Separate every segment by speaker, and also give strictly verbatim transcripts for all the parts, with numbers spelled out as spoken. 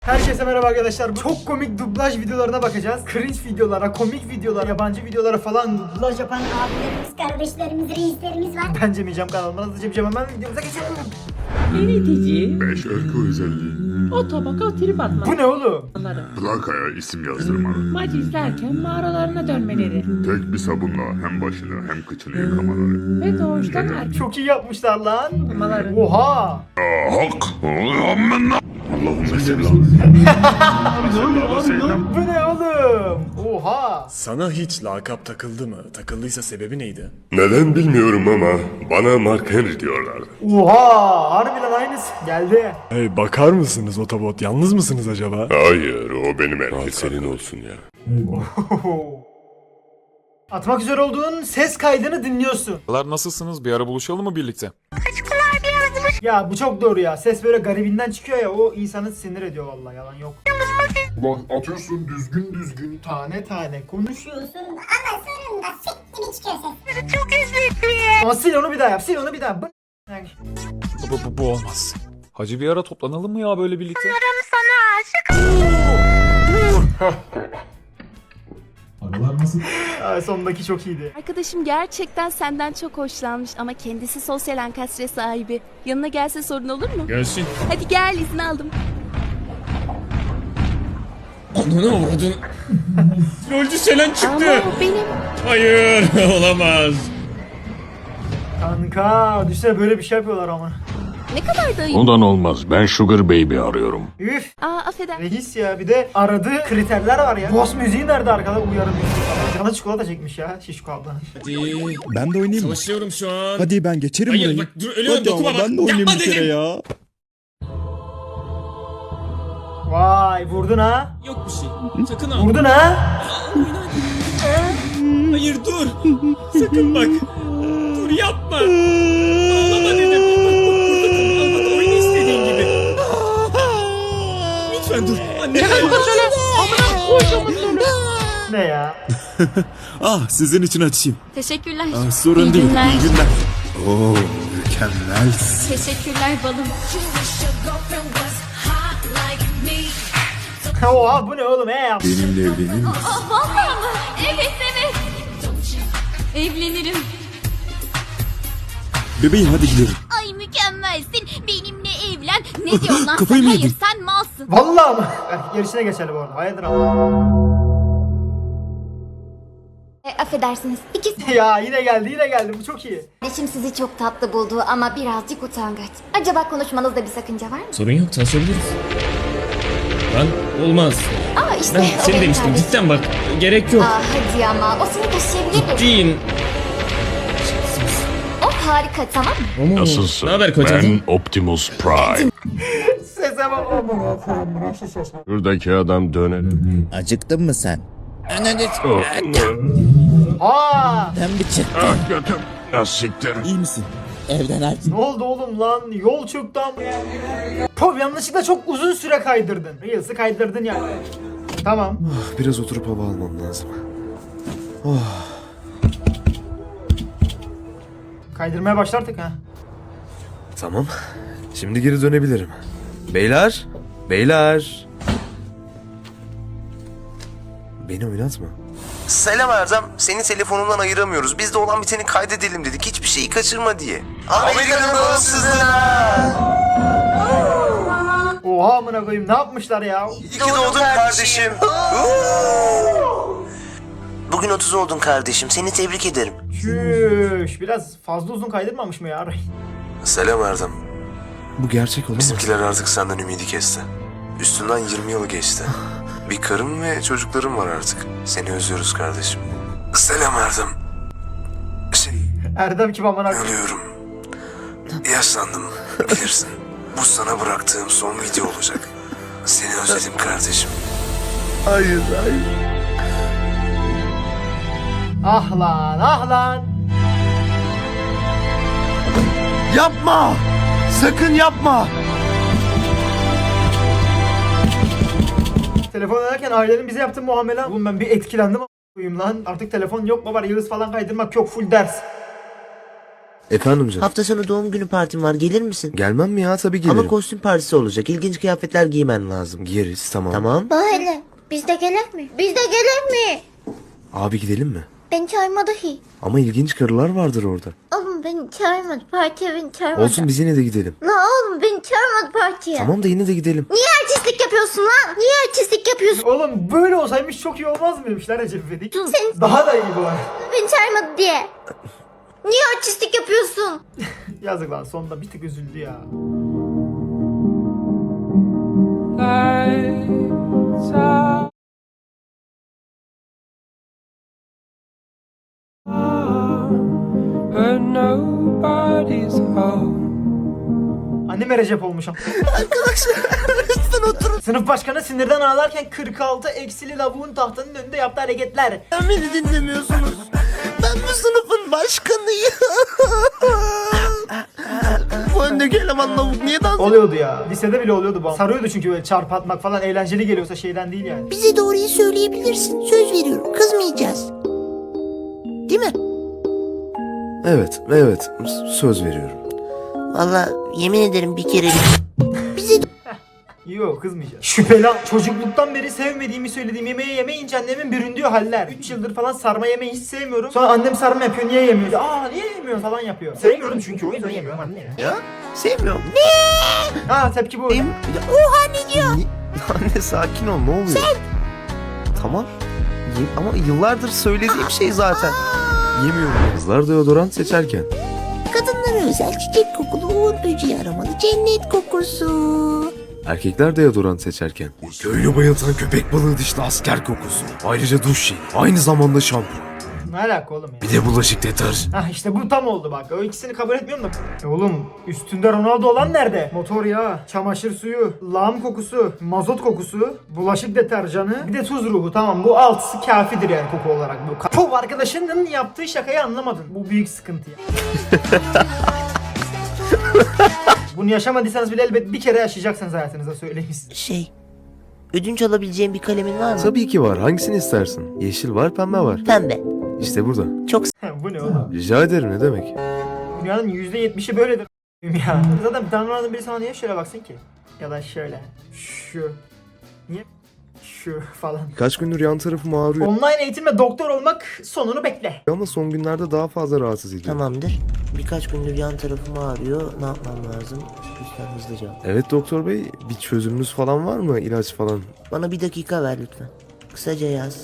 Speaker 1: Herkese merhaba arkadaşlar. Çok komik dublaj videolarına bakacağız. Cringe videolara, komik videolara, yabancı videolara falan dublaj yapan
Speaker 2: Abilerimiz, kardeşlerimiz, reislerimiz var.
Speaker 1: ben Cemiyeceğim kanalıma hızlıca bir hemen videomuza geçelim.
Speaker 3: Yönetici,
Speaker 4: beş öykü özelliği.
Speaker 3: otobaka trip
Speaker 1: Bu
Speaker 3: atmaları,
Speaker 1: ne oğlum?
Speaker 4: Plakaya isim yazdırmalı.
Speaker 3: maç izlerken mağaralarına dönmeleri
Speaker 4: Tek bir sabunla hem başını hem kıçını yıkamaları.
Speaker 3: ve doğuştan erkek
Speaker 1: Çok iyi yapmışlar lan.
Speaker 3: olmaları.
Speaker 1: Oha.
Speaker 4: Hak! Allahümme selam.
Speaker 1: Bu ne oğlum? Oha.
Speaker 5: Sana hiç lakap takıldı mı? Takıldıysa sebebi neydi?
Speaker 4: Neden bilmiyorum ama bana Mark Henry diyorlardı.
Speaker 1: Oha. Harbiden aynısı. Geldi.
Speaker 5: Hey bakar mısınız otobot? Yalnız mısınız acaba?
Speaker 4: Hayır, o benim erkek senin olsun ya.
Speaker 1: Atmak üzere olduğun ses kaydını dinliyorsun.
Speaker 6: Nasılsınız? Bir ara buluşalım mı birlikte?
Speaker 1: Ya bu çok doğru ya. Ses böyle garibinden çıkıyor ya. O insanı sinir ediyor vallahi. Yalan yok.
Speaker 4: Ulan atıyorsun düzgün düzgün.
Speaker 1: Tane tane konuşuyor.
Speaker 2: Diyorsun ama sonunda sik gibi çıkıyor ses. Çok
Speaker 1: Ama sil onu bir daha yap. Sil onu bir daha. Bu- Yani-
Speaker 6: Bu, bu, bu olmaz. Hacı bir ara toplanalım mı ya böyle birlikte?
Speaker 1: Aa, sondaki çok iyiydi.
Speaker 7: Arkadaşım gerçekten senden çok hoşlanmış ama kendisi sosyal ankastre sahibi. Yanına gelse sorun olur mu?
Speaker 8: Gelsin.
Speaker 7: Hadi gel, izin aldım.
Speaker 8: Ananı avradın. Rolcü Selen
Speaker 7: Ama
Speaker 8: çıktı.
Speaker 7: o benim.
Speaker 8: Hayır olamaz.
Speaker 1: Kanka düşünsene böyle bir şey yapıyorlar ama.
Speaker 7: Ne kadar da iyi.
Speaker 4: Ondan olmaz. Ben Sugar Baby arıyorum.
Speaker 1: Üf.
Speaker 7: Aa affeder.
Speaker 1: Reis ya, bir de aradığı kriterler var ya. Boss müziği nerede arkada? Uyarı müziği. Canı çikolata çekmiş ya. Şişko abla.
Speaker 8: Hadi.
Speaker 9: Ben de oynayayım mı?
Speaker 8: Savaşıyorum şu an.
Speaker 9: Hadi ben geçerim
Speaker 8: Hayır
Speaker 9: burayı.
Speaker 8: bak dur ölüyorum
Speaker 9: Hadi
Speaker 8: dokunma
Speaker 9: ama
Speaker 8: bak.
Speaker 9: ben de oynayayım
Speaker 8: Yapma
Speaker 9: bir kere
Speaker 8: dedim.
Speaker 9: ya.
Speaker 1: Vay vurdun ha.
Speaker 8: Yok bir şey. Sakın al.
Speaker 1: Vurdun ha.
Speaker 8: Hayır dur. Sakın bak. Dur yapma. Ağlama dedim. Bak bak burada kal. Al bak oyna istediğin gibi. Lütfen dur. Anne.
Speaker 1: Ne ya?
Speaker 9: Ah sizin için açayım.
Speaker 7: Teşekkürler.
Speaker 9: Ah, sorun
Speaker 7: İyi
Speaker 9: değil.
Speaker 7: günler.
Speaker 9: İyi günler. Oo mükemmel.
Speaker 7: Teşekkürler balım.
Speaker 1: Oha bu ne oğlum he yap.
Speaker 9: Benimle evlenir misin?
Speaker 7: Vallahi mı? Evet evet. Evlenirim.
Speaker 9: Bebeğim hadi gidelim.
Speaker 7: Ay mükemmelsin. Benimle evlen. Ne diyorsun lan
Speaker 9: Kafayı
Speaker 7: sen?
Speaker 9: mı
Speaker 7: Hayır
Speaker 9: yedin?
Speaker 7: sen malsın.
Speaker 1: Vallahi mı? Eh, Gerisine geçelim orada. Hayırdır ama.
Speaker 2: E, affedersiniz. İki
Speaker 1: Ya yine geldi yine geldi. Bu çok iyi.
Speaker 2: kardeşim sizi çok tatlı buldu ama birazcık utangaç. Acaba konuşmanızda bir sakınca var mı?
Speaker 8: Sorun yok tanışabiliriz. Lan olmaz.
Speaker 2: Aa işte
Speaker 8: Ben
Speaker 2: o
Speaker 8: seni
Speaker 2: benim
Speaker 8: demiştim
Speaker 2: kardeşim.
Speaker 8: cidden bak. Gerek yok.
Speaker 2: Aa hadi ama o seni taşıyabilir mi?
Speaker 8: Ciddiyim.
Speaker 2: O harika tamam mı?
Speaker 4: Nasılsın?
Speaker 8: Ne haber kocacığım?
Speaker 4: Ben Optimus Prime.
Speaker 1: Sese bak. Aman Allah'ım, nasıl ses?
Speaker 4: Buradaki adam dönelim.
Speaker 9: Acıktın mı sen?
Speaker 1: Ha!
Speaker 9: Sen bir çık.
Speaker 4: Ah götüm. Ya siktir.
Speaker 9: İyi misin? Evden aç.
Speaker 1: Ne oldu oğlum lan? Yol çöktü ama. Pov yanlışlıkla çok uzun süre kaydırdın. Reels'i kaydırdın yani. Tamam.
Speaker 9: Biraz oturup hava almam lazım.
Speaker 1: Kaydırmaya başlardık ha.
Speaker 9: Tamam. Şimdi geri dönebilirim. Beyler. Beyler. Beni oynatma.
Speaker 10: Selam Erdem. Seni telefonundan ayıramıyoruz. Biz de olan biteni kaydedelim dedik. Hiçbir şeyi kaçırma diye. Amerika'nın bağımsızlığına.
Speaker 1: Oha amına koyayım, ne yapmışlar ya?
Speaker 10: İyi ki doğdun kardeşim. Bugün otuz oldun kardeşim. Seni tebrik ederim.
Speaker 1: Çüş, biraz fazla uzun kaydırmamış mı ya?
Speaker 10: Selam Erdem.
Speaker 9: Bu gerçek olamaz.
Speaker 10: Bizimkiler artık senden ümidi kesti. Üstünden yirmi yıl geçti. Bir karım ve çocuklarım var artık. Seni özlüyoruz kardeşim. Selam Erdem. Şey,
Speaker 1: Erdem kim amına koyayım?
Speaker 10: Ölüyorum. Yaşlandım. Bilirsin. Bu sana bıraktığım son video olacak. Seni özledim kardeşim.
Speaker 9: Hayır hayır.
Speaker 1: Ah lan, ah lan.
Speaker 9: Yapma. Sakın yapma.
Speaker 1: Telefon ederken ailenin bize yaptığı muamele. Oğlum ben bir etkilendim a**ayım lan. Artık telefon yok baba, Reels falan kaydırmak yok, full ders.
Speaker 9: Efendim canım.
Speaker 11: Hafta sonu doğum günü partim var, gelir misin?
Speaker 9: Gelmem mi ya? Tabii gelirim.
Speaker 11: Ama kostüm partisi olacak. İlginç kıyafetler giymen lazım.
Speaker 9: Giyeriz, tamam.
Speaker 11: Tamam.
Speaker 2: Böyle. Biz de gelir mi? Biz de gelir mi?
Speaker 9: Abi gidelim mi?
Speaker 2: Beni çağırmadı hi.
Speaker 9: Ama ilginç karılar vardır orada.
Speaker 2: Oğlum beni çağırmadı. Partiye beni çağırmadı.
Speaker 9: Olsun, biz yine de gidelim.
Speaker 2: La oğlum beni çağırmadı partiye.
Speaker 9: Tamam da yine de gidelim.
Speaker 2: Niye artistlik yapıyorsun lan? Niye artistlik yapıyorsun?
Speaker 1: Oğlum böyle olsaymış çok iyi olmaz mıymış lan Recep İvedik?
Speaker 2: Sen
Speaker 1: Daha da iyi bu var.
Speaker 2: beni çağırmadı diye. Niye artistlik yapıyorsun?
Speaker 1: Yazık lan, sonunda bir tık üzüldü ya. Anneme Recep olmuş ama.
Speaker 11: Arkadaşlar lütfen oturun.
Speaker 1: Sınıf başkanı sinirden ağlarken kırk altı eksili lavuğun tahtanın önünde yaptığı hareketler.
Speaker 11: Sen beni dinlemiyorsunuz. Ben bu sınıfın başkanıyım. Bu öndeki eleman lavuk niye dans ediyor?
Speaker 1: Oluyordu ya. Lisede bile oluyordu bu. Sarıyordu çünkü böyle çarp atmak falan eğlenceli geliyorsa şeyden değil yani.
Speaker 11: Bize doğruyu söyleyebilirsin. Söz veriyorum. Kızmayacağız. Değil mi?
Speaker 9: Evet, evet. S- Söz veriyorum.
Speaker 11: Vallahi yemin ederim bir kere bize
Speaker 1: Yok, kızmayacağız. Şüpheli. Çocukluktan beri sevmediğimi söylediğim yemeği yemeyince annemin büründüğü haller. üç yıldır falan sarma yemeyi hiç sevmiyorum. Sonra annem sarma yapıyor, niye yemiyor? Aa niye yemiyor falan yapıyor. Sevmiyorum çünkü, o yüzden yemiyorum anne ya.
Speaker 11: ya sevmiyorum.
Speaker 1: Ha tepki bu.
Speaker 11: Oha ne diyor?
Speaker 9: Anne sakin ol, ne oluyor? Sen! Tamam. Ye- ama yıllardır söylediğim şey zaten. Yemiyorum. Kızlar deodorant seçerken.
Speaker 11: Kadınlara özel çiçek kokulu uğur böceği aramalı cennet kokusu.
Speaker 9: Erkekler deodorant seçerken. Köylü bayıltan köpek balığı dişli asker kokusu. Ayrıca duş jeli. Aynı zamanda şampuan.
Speaker 1: Ne alaka oğlum ya?
Speaker 9: Bir de bulaşık deterjanı.
Speaker 1: Hah işte bu tam oldu bak. O ikisini kabul etmiyorum da. E oğlum üstünde Ronaldo olan nerede? Motor yağı, çamaşır suyu, lağım kokusu, mazot kokusu, bulaşık deterjanı, bir de tuz ruhu. Tamam, bu altısı kafidir yani koku olarak. Bu Puh, arkadaşının yaptığı şakayı anlamadın. Bu büyük sıkıntı ya. Bunu yaşamadıysanız bile elbet bir kere yaşayacaksınız hayatınızda, söyleyeyim size.
Speaker 11: Şey, ödünç alabileceğim bir kalemin var mı?
Speaker 9: Tabii ki var. Hangisini istersin? Yeşil var, pembe var.
Speaker 11: Pembe.
Speaker 9: İşte burada.
Speaker 11: Çok
Speaker 1: Bu ne oğlum?
Speaker 9: Rica ederim, ne demek?
Speaker 1: Dünyanın yüzde yetmişi böyledir ya. Zaten tanrılardan biri sana niye şöyle baksın ki? Ya da şöyle. Şu. Niye? Şu falan.
Speaker 9: Birkaç gündür yan tarafım ağrıyor.
Speaker 1: Online eğitimle doktor olmak sonunu bekle.
Speaker 9: Ama son günlerde daha fazla rahatsız ediyor.
Speaker 11: Tamamdır. Birkaç gündür yan tarafım ağrıyor. Ne yapmam lazım? Lütfen hızlıca.
Speaker 9: Evet doktor bey, bir çözümünüz falan var mı? İlaç falan.
Speaker 11: Bana bir dakika ver lütfen. Kısaca yaz.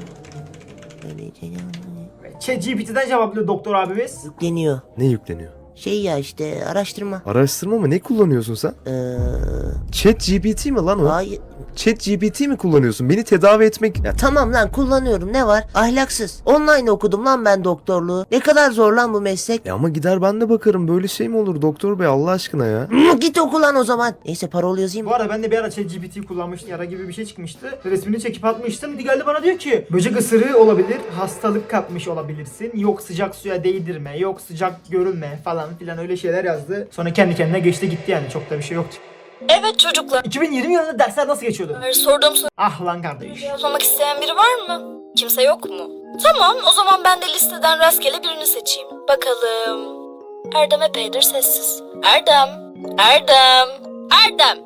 Speaker 1: ChatGPT'den cevaplıyor doktor abimiz.
Speaker 11: Yükleniyor.
Speaker 9: Ne yükleniyor?
Speaker 11: Şey ya işte araştırma.
Speaker 9: Araştırma mı? Ne kullanıyorsun sen?
Speaker 11: Eee...
Speaker 9: Chat G P T mi lan o?
Speaker 11: Hayır.
Speaker 9: Chat G P T mi kullanıyorsun? Beni tedavi etmek...
Speaker 11: Ya tamam lan kullanıyorum, ne var? Ahlaksız. Online okudum lan ben doktorluğu. Ne kadar zor lan bu meslek.
Speaker 9: Ya ama gider ben de bakarım. Böyle şey mi olur doktor bey, Allah aşkına ya?
Speaker 11: Hmm, git oku lan o zaman. Neyse parol yazayım.
Speaker 1: Bu arada ben de bir ara ChatGPT kullanmıştım. Yara gibi bir şey çıkmıştı. Resmini çekip atmıştım. Geldi bana diyor ki böcek ısırığı olabilir. Hastalık kapmış olabilirsin. Yok sıcak suya değdirme. Yok sıcak görülme falan filan öyle şeyler yazdı. Sonra kendi kendine geçti gitti yani. Çok da bir şey yoktu.
Speaker 12: Evet çocuklar.
Speaker 1: iki bin yirmi yılında dersler nasıl geçiyordu?
Speaker 12: Sorduğum soruyu
Speaker 1: Ah lan kardeş.
Speaker 12: cevaplamak isteyen biri var mı? Kimse yok mu? Tamam, o zaman ben de listeden rastgele birini seçeyim. Bakalım. Erdem epeydir sessiz. Erdem. Erdem. Erdem.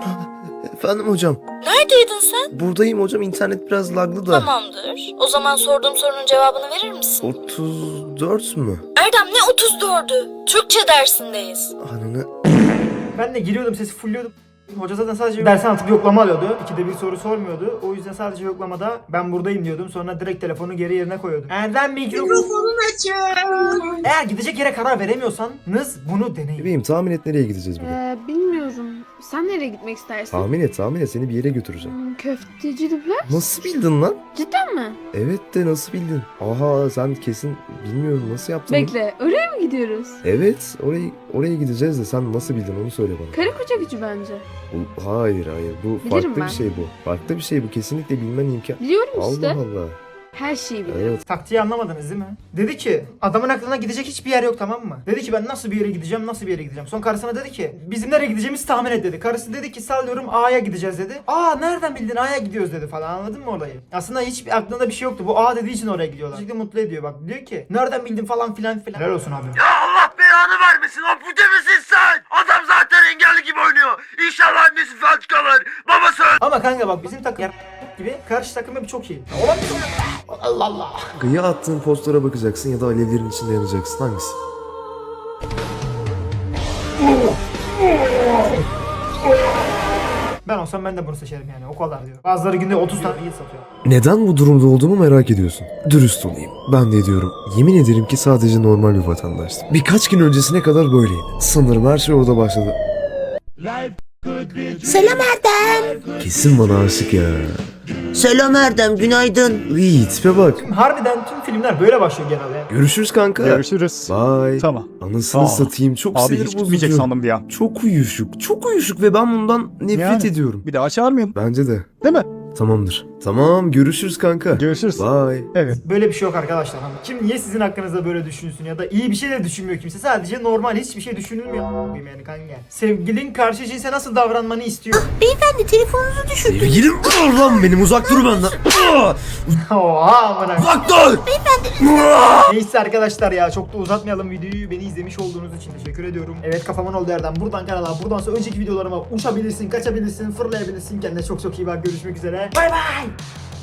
Speaker 9: Efendim hocam.
Speaker 12: Neredeydin sen?
Speaker 9: Buradayım hocam, internet biraz laglı da.
Speaker 12: Tamamdır. O zaman sorduğum sorunun cevabını verir misin?
Speaker 9: otuz dört mü?
Speaker 12: Erdem ne otuz dördü? Türkçe dersindeyiz.
Speaker 9: Ananı...
Speaker 1: Ben de giriyordum, sesi fulluyordum. Hoca zaten sadece dersen atıp yoklama alıyordu. İkide bir soru sormuyordu. O yüzden sadece yoklamada ben buradayım diyordum. Sonra direkt telefonu geri yerine koyuyordum. Erdem mikrofonunu açın. Eğer gidecek yere karar veremiyorsanız bunu deneyin.
Speaker 9: Bebeğim tahmin et, nereye gideceğiz bugün?
Speaker 13: Ee, bilmiyorum. Sen nereye gitmek istersin?
Speaker 9: Tahmin et tahmin et, seni bir yere götüreceğim.
Speaker 13: Hmm, köfteci dublaj.
Speaker 9: Nasıl bildin lan?
Speaker 13: Cidden mi?
Speaker 9: Evet de nasıl bildin? Aha sen kesin bilmiyorum, nasıl yaptın?
Speaker 13: Bekle, oraya mı gidiyoruz?
Speaker 9: Evet, oraya oraya gideceğiz de sen nasıl bildin onu söyle bana.
Speaker 13: Karı koca gücü bence.
Speaker 9: Bu, hayır hayır bu
Speaker 13: Bilirim
Speaker 9: farklı
Speaker 13: ben.
Speaker 9: bir şey bu. Farklı bir şey bu, kesinlikle bilmen imkan.
Speaker 13: Biliyorum işte.
Speaker 9: Allah Allah.
Speaker 13: Her şeyi biliyorum.
Speaker 9: Evet.
Speaker 1: Taktiği anlamadınız değil mi? Dedi ki adamın aklına gidecek hiçbir yer yok, tamam mı? Dedi ki ben nasıl bir yere gideceğim, nasıl bir yere gideceğim. Son karısına dedi ki bizim nereye gideceğimizi tahmin et dedi. Karısı dedi ki sallıyorum A'ya gideceğiz dedi. Aa nereden bildin A'ya gidiyoruz dedi falan, anladın mı olayı? Aslında hiç aklında bir şey yoktu. Bu A dediği için oraya gidiyorlar. Gerçekten mutlu ediyor bak. Diyor ki nereden bildin falan filan filan. Helal olsun abi.
Speaker 9: Allah be! belanı vermesin. Ampute misin sen? Adam zaten engelli gibi oynuyor. İnşallah annesi felç kalır. Babası öl-
Speaker 1: Ama kanka bak bizim takım gibi karşı takım hep çok iyi. Olabilir. Allah Allah.
Speaker 10: Ya attığın postlara bakacaksın ya da alevlerin içinde yanacaksın. Hangisi?
Speaker 1: Ben olsam ben de bunu seçerim yani o kadar diyor. Bazıları günde otuz tane iyi satıyor.
Speaker 10: Neden bu durumda olduğumu merak ediyorsun. Dürüst olayım. Ben de ediyorum. Yemin ederim ki sadece normal bir vatandaştım. Birkaç gün öncesine kadar böyleydi. Sanırım her şey orada başladı.
Speaker 11: Selam Erdem.
Speaker 10: Kesin bana aşık ya.
Speaker 11: Selam Erdem, günaydın.
Speaker 10: İyi tipe bak.
Speaker 1: Harbiden tüm filmler böyle başlıyor genelde.
Speaker 10: Görüşürüz kanka.
Speaker 6: Görüşürüz.
Speaker 10: Bye.
Speaker 6: Tamam.
Speaker 10: Anasını
Speaker 6: Aa,
Speaker 10: satayım, çok
Speaker 6: Abi
Speaker 10: sinir
Speaker 6: hiç gitmeyecek
Speaker 10: bozucu.
Speaker 6: sandım bir an.
Speaker 10: Çok uyuşuk, çok uyuşuk ve ben bundan nefret
Speaker 6: Yani.
Speaker 10: ediyorum.
Speaker 6: Bir daha çağırmayalım.
Speaker 10: Bence de.
Speaker 6: Değil mi?
Speaker 10: Tamamdır. Tamam, görüşürüz kanka.
Speaker 6: Görüşürüz.
Speaker 10: Bye.
Speaker 6: Evet.
Speaker 1: Böyle bir şey yok arkadaşlar. Kim niye sizin hakkınızda böyle düşünsün ya da iyi bir şey de düşünmüyor kimse. Sadece normal hiçbir şey düşünülmüyor. Yani kanka. Sevgilin karşı cinse nasıl davranmanı istiyor.
Speaker 11: Beyefendi telefonunuzu düşürdüm.
Speaker 10: Sevgilim dur lan benim, uzak dur benden.
Speaker 1: Oha amına.
Speaker 10: Uzak dur.
Speaker 1: Neyse arkadaşlar ya çok da uzatmayalım videoyu. Beni izlemiş olduğunuz için teşekkür ediyorum. Evet kafamın oldu Erdem. Buradan kanala, buradan sonra önceki videolarıma uçabilirsin, kaçabilirsin, fırlayabilirsin. Kendine çok çok iyi bak. Görüşmek üzere. Bay bay.